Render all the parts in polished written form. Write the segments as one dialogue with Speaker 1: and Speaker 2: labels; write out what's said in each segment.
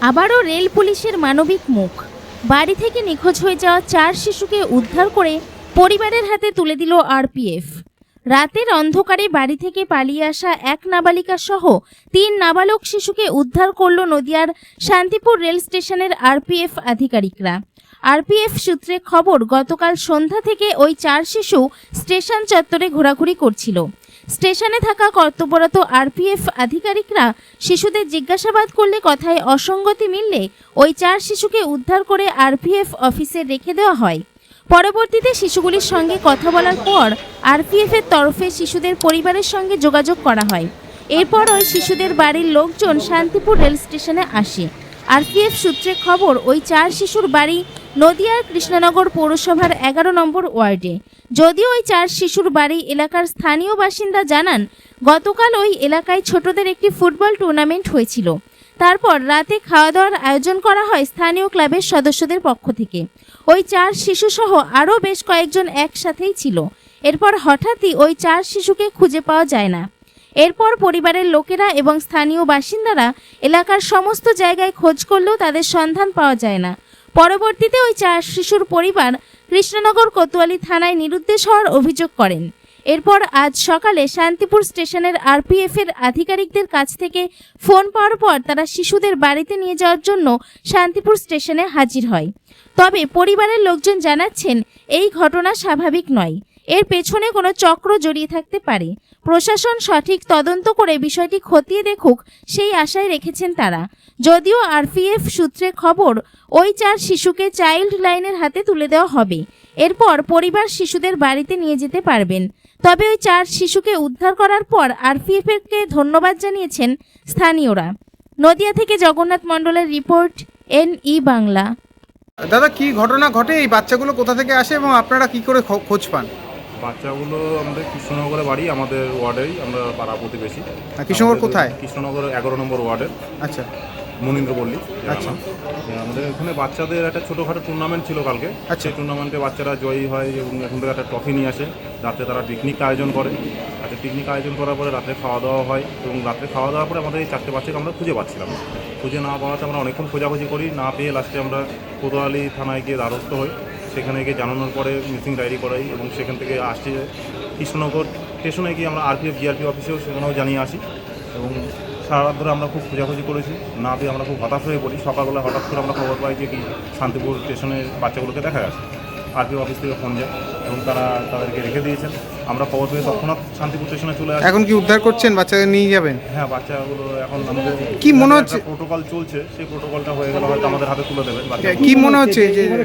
Speaker 1: আবারও রেল পুলিশের মানবিক মুখ। বাড়ি থেকে নিখোঁজ হয়ে যাওয়া 4 শিশুকে উদ্ধার করে পরিবারের হাতে তুলে দিল আরপিএফ। রাতের অন্ধকারে বাড়ি থেকে পালিয়ে আসা এক নাবালিকা সহ 3 নাবালক শিশুকে উদ্ধার করল নদিয়ার শান্তিপুর রেল স্টেশনের আরপিএফ আধিকারিকরা। আরপিএফ সূত্রে খবর, গতকাল সন্ধ্যা থেকে ওই 4 শিশু স্টেশন চত্বরে ঘোরাঘুরি করছিল। স্টেশনে থাকা কর্তব্যরত আরপিএফ আধিকারিকরা শিশুদের জিজ্ঞাসাবাদ করলে কথায় অসঙ্গতি মিললে ওই 4 শিশুকে উদ্ধার করে আরপিএফ অফিসে রেখে দেওয়া হয়। পরবর্তীতে শিশুগুলির সঙ্গে কথা বলার পর আরপিএফ এর তরফে শিশুদের পরিবারের সঙ্গে যোগাযোগ করা হয়। এরপর ওই শিশুদের বাড়ির লোকজন শান্তিপুর রেল স্টেশনে আসে। আরপিএফ সূত্রে খবর, ওই 4 শিশুর বাড়ি নদিয়ার কৃষ্ণনগর পৌরসভার 11 নম্বর ওয়ার্ডে। যদিও ওই 4 শিশুর বাড়ি এলাকার স্থানীয় বাসিন্দা জানান, গতকাল ওই এলাকায় ছোটদের একটি ফুটবল টুর্নামেন্ট হয়েছিল। তারপর রাতে খাওয়া দাওয়ার আয়োজন করা হয় স্থানীয় ক্লাবের সদস্যদের পক্ষ থেকে। ওই 4 শিশুসহ আরও বেশ কয়েকজন একসাথেই ছিল। এরপর হঠাৎই ওই 4 শিশুকে খুঁজে পাওয়া যায় না। এরপর পরিবারের লোকেরা এবং স্থানীয় বাসিন্দারা এলাকার সমস্ত জায়গায় খোঁজ করলেও তাদের সন্ধান পাওয়া যায় না। পরবর্তীতে ওই 4 শিশুর পরিবার কৃষ্ণনগর কোতোয়ালি থানায় নিরুদ্দেশ হওয়ার অভিযোগ করেন। এরপর আজ সকালে শান্তিপুর স্টেশনের আরপিএফ এর আধিকারিকদের কাছ থেকে ফোন পাওয়ার পর তারা শিশুদের বাড়িতে নিয়ে যাওয়ার জন্য শান্তিপুর স্টেশনে হাজির হয়। তবে পরিবারের লোকজন জানাচ্ছেন, এই ঘটনা স্বাভাবিক নয়, এর পেছনে কোনো চক্র জড়িয়ে থাকতে পারে। প্রশাসন সঠিক তদন্ত করে বিষয়টি খতিয়ে দেখুক, সেই আশায় রেখেছেন তারা। যদিও আরপিএফ সূত্রে খবর, ওই 4 শিশুকে চাইল্ড লাইনের হাতে তুলে দেওয়া হবে। এরপর পরিবার শিশুদের বাড়িতে নিয়ে যেতে পারবেন। তবে ওই 4 শিশুকে উদ্ধার করার পর আরপিএফকে ধন্যবাদ জানিয়েছেন স্থানীয়রা। নদিয়া থেকে জগন্নাথ মণ্ডলের রিপোর্ট, NE বাংলা।
Speaker 2: দাদা, কি ঘটনা ঘটে? এই বাচ্চাগুলো কোথা থেকে আসে এবং আপনারা কি করে খোঁজ পান?
Speaker 3: বাচ্চাগুলো আমাদের কৃষ্ণনগরে বাড়ি, আমাদের ওয়ার্ডেই, আমরা পাড়া প্রতিবেশী।
Speaker 2: কৃষ্ণনগর কোথায়?
Speaker 3: কৃষ্ণনগর 11 নম্বর ওয়ার্ডের।
Speaker 2: আচ্ছা,
Speaker 3: মনীন্দ্রপল্লী।
Speaker 2: আচ্ছা।
Speaker 3: আমাদের এখানে বাচ্চাদের একটা ছোটোখাটো টুর্নামেন্ট ছিল কালকে।
Speaker 2: আচ্ছা।
Speaker 3: সেই টুর্নামেন্টে বাচ্চারা জয়ী হয় এবং এখান থেকে একটা ট্রফি নিয়ে আসে। রাতে তারা পিকনিক আয়োজন করে। আচ্ছা, পিকনিক আয়োজন করার পরে রাতে খাওয়া দাওয়া হয় এবং রাতে খাওয়া দাওয়ার পরে আমাদের এই 4টে বাচ্চাকে আমরা খুঁজে পাচ্ছিলাম। খুঁজে না পাওয়াতে আমরা অনেকক্ষণ খোঁজাখুঁজি করি, না পেয়ে লাস্টে আমরা কোতোয়ালি থানায় গিয়ে দ্বারস্থ হই। সেখানে গিয়ে জানানোর পরে মিসিং ডায়েরি করাই এবং সেখান থেকে আসছি কৃষ্ণনগর স্টেশনে গিয়ে আমরা আরপিএফ জিআরপি অফিসেও সেখানেও জানিয়ে আসি এবং সারা রাত ধরে আমরা খুব খোঁজাখুঁজি করেছি, না পেয়ে আমরা খুব হতাশ হয়ে পড়ি। সকালবেলা হঠাৎ করে আমরা খবর পাই যে কি শান্তিপুর স্টেশনের বাচ্চাগুলোকে দেখা গেছে। আরপিএফ অফিস থেকে ফোন যায় এবং তারা তাদেরকে রেখে দিয়েছেন। আমরা খবর পেয়ে তৎক্ষণাৎ শান্তিপুর স্টেশনে চলে আসি।
Speaker 2: এখন কি উদ্ধার করছেন? বাচ্চাকে নিয়ে যাবেন?
Speaker 3: হ্যাঁ, বাচ্চাগুলো এখন আমাদের
Speaker 2: কি মনে হচ্ছে?
Speaker 3: প্রোটোকল চলছে, সেই প্রোটোকলটা হয়ে গেলে হয়তো আমাদের হাতে তুলে দেবেন।
Speaker 2: কি মনে হচ্ছে যে
Speaker 3: এইভাবে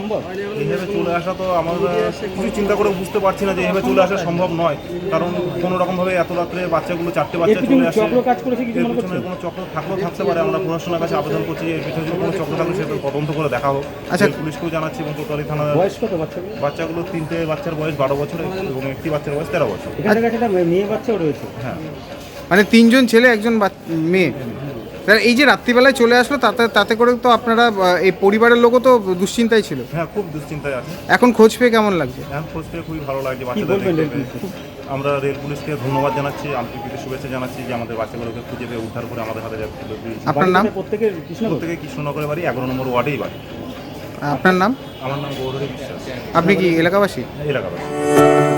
Speaker 3: চলে আসা তো আমরা কিছু চিন্তা করে বুঝতে পারছি না যে এইভাবে চলে আসা সম্ভব নয়। কারণ কোনো রকমভাবে এত রাত্রে বাচ্চাগুলো 4টে বাচ্চা চলে আসে। এর পিছনে কোনো চক্র থাকলেও থাকতে পারে। আমরা প্রশাসনের কাছে আবেদন করছি এর পিছনে যদি কোনো চক্র থাকলে সেটা তদন্ত করে দেখা হোক।
Speaker 2: আচ্ছা,
Speaker 3: পুলিশকেও জানাচ্ছি এবং কোতোয়ালি থানার বাচ্চাগুলো 3টে বাচ্চার বয়স 12 বছর এবং একটি বাচ্চার বয়স 13 বছর।
Speaker 4: মেয়ে বাচ্চাও রয়েছে।
Speaker 3: হ্যাঁ,
Speaker 2: মানে 3 জন ছেলে, 1 জন মেয়ে। এই যে রাত্রিবেলায় চলে আসলো, তাতে করে তো আপনারা এই পরিবারের লোকও তো দুশ্চিন্তায় ছিল।
Speaker 3: হ্যাঁ, খুব দুশ্চিন্তায় আছে।
Speaker 2: এখন খোঁজ পেয়ে কেমন লাগছে?
Speaker 3: এখন খোঁজ পেয়ে খুবই ভালো লাগছে। বাচ্চাদের আমরা রেল পুলিশকে ধন্যবাদ জানাচ্ছি, আন্তরিক শুভেচ্ছা জানাচ্ছি যে আমাদের বাচ্চাগুলোকে খুঁজে পেয়ে উদ্ধার করে আমাদের হাতে তুলে দিয়েছে।
Speaker 2: আপনার নাম?
Speaker 4: প্রত্যেকে
Speaker 3: কৃষ্ণনগরের বাড়ি, 11 নম্বর ওয়ার্ডেই বাড়ি।
Speaker 2: আপনার নাম?
Speaker 3: আমার নাম গৌরী বিশ্বাস।
Speaker 2: আপনি কি এলাকাবাসী?
Speaker 3: এলাকাবাসী।